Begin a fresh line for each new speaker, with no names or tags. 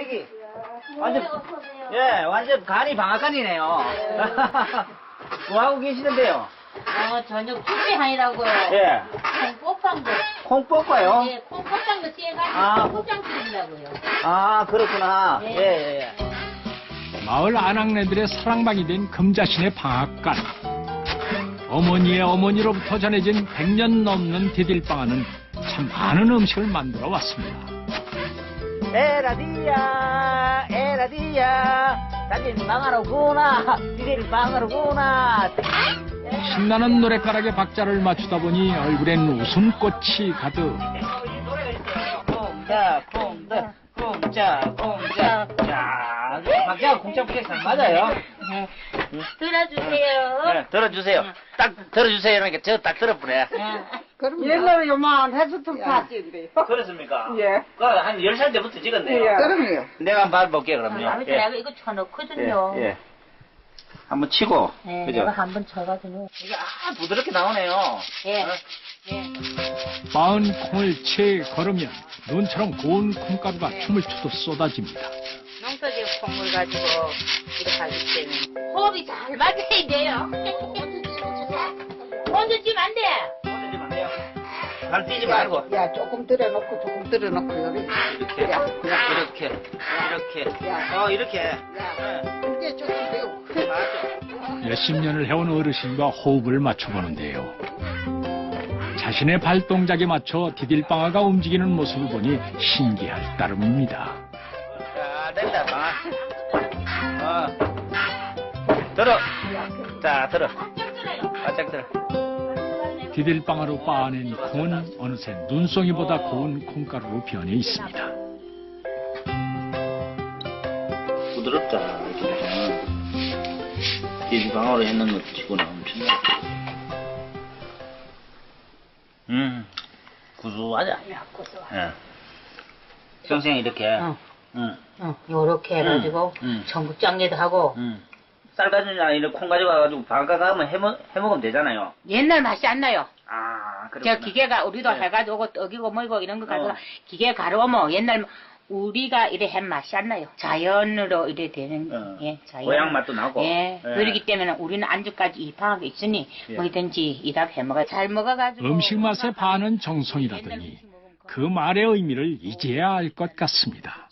애기. 완전, 예, 완전 간이 방앗간이네요. 뭐 하고 계시는데요?
저녁 준비하느라고요.
예.
콩볶음도.
콩 뽑아요?
예, 콩볶음도 찌해가지고
아.
콩볶음 찌려고요.
아, 그렇구나.
네.
예, 예.
마을 아낙네들의 사랑방이 된 금자신의 방앗간. 어머니의 어머니로부터 전해진 100년 넘는 디딜방아는 참 많은 음식을 만들어 왔습니다.
에라디야, 에라디야. 다들 방아로구나. 니들 방아로구나.
신나는 노랫가락에 박자를 맞추다 보니 얼굴엔 웃음꽃이 가득.
공자, 공자, 공자, 공자. 야, 박자가 공자 부자 잘 맞아요.
네. 들어주세요.
네, 들어주세요. 딱 들어주세요. 그러니까 저 딱 들어보네.
그럼 옛날에 요만 해수통 탔지.
그렇습니까?
예.
한 10살 때부터 찍었네요.
예. 그럼요.
내가 한번 봐볼게요, 그럼요.
아버지
예.
내가 이거 쳐놓거든요.
예, 예. 한번 치고.
네,
그죠?
내가 한번 쳐가지고.
이거 부드럽게 나오네요.
예.
어?
예.
빻은 콩을 채 걸으면 눈처럼 고운 콩가루가 춤을 추듯 쏟아집니다.
농사지은 콩을 가지고 이렇게 하기 때문에 호흡이 잘 맞아야 돼요. 먼저 찌면 안 돼.
건드리면 안 돼요. 발 뛰지 말고.
야, 조금 들어놓고, 조금 들어놓고, 요리.
이렇게.
야,
이렇게. 이렇게.
야.
이렇게.
야, 이게 조금 배우.
맞죠?
몇십 년을 해온 어르신과 호흡을 맞춰보는데요. 자신의 발동작에 맞춰 디딜방아가 움직이는 모습을 보니 신기할 따름입니다.
자, 된다, 방아. 들어. 자, 들어. 바짝 들어.
디딜방아로 빻아낸 콩은 어느새 눈송이보다 고운 콩가루로 변해 있습니다.
부드럽다, 진짜. 디디방어로 했는 것 치고는 엄청나. 구수하자. 예. 평생 이렇게.
요렇게 해가지고 전국장례도 하고.
쌀가지나 이런 콩 가져가가지고 방가 가면 해먹으면 되잖아요.
옛날 맛이 안 나요.
아,
저
그렇구나.
기계가 우리도
네.
해가지고 떡이고 뭐고 이런 거 가지고 기계 가루면 옛날 우리가 이래 한 맛이 안 나요. 자연으로 이래 되는 예, 자연.
고향 맛도 나고.
예. 그렇기 때문에 우리는 안주까지 입항하고 있으니
예.
뭐든지 이답 해먹어 잘 먹어가지고.
음식 맛에 반은 정성이라더니 그 말의 의미를 이제야 알 것 같습니다.